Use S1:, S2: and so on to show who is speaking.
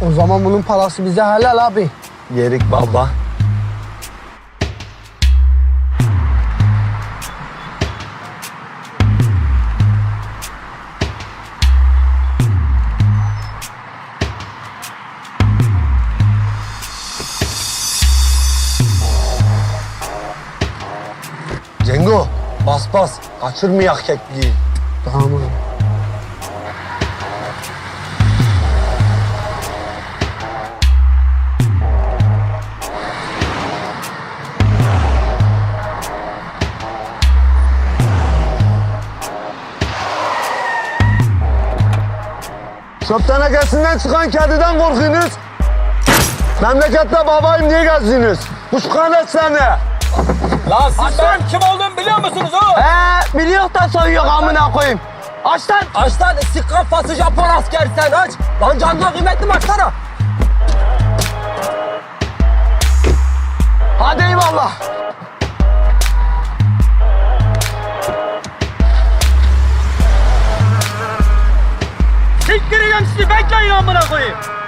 S1: O zaman bunun parası bize helal abi.
S2: Yerik baba. Cengo, bas bas. Kaçırmayak kekliği.
S1: Tamam abi.
S2: Çöp tenekesinden çıkan kediden korkuyorsunuz. Memlekette babayım diye gezdiniz. Kuşkanet seni.
S3: Lan siz benim kim olduğumu biliyor musunuz oğlum?
S1: Biliyor da soyuyor amına koyayım. Aç lan.
S3: Aç lan istikrar fası Japon asker sen aç. Lan canına kıymetli mi açsana?
S1: Hadi eyvallah.
S3: Siktireceğim sizi bekleyin amına koyayım.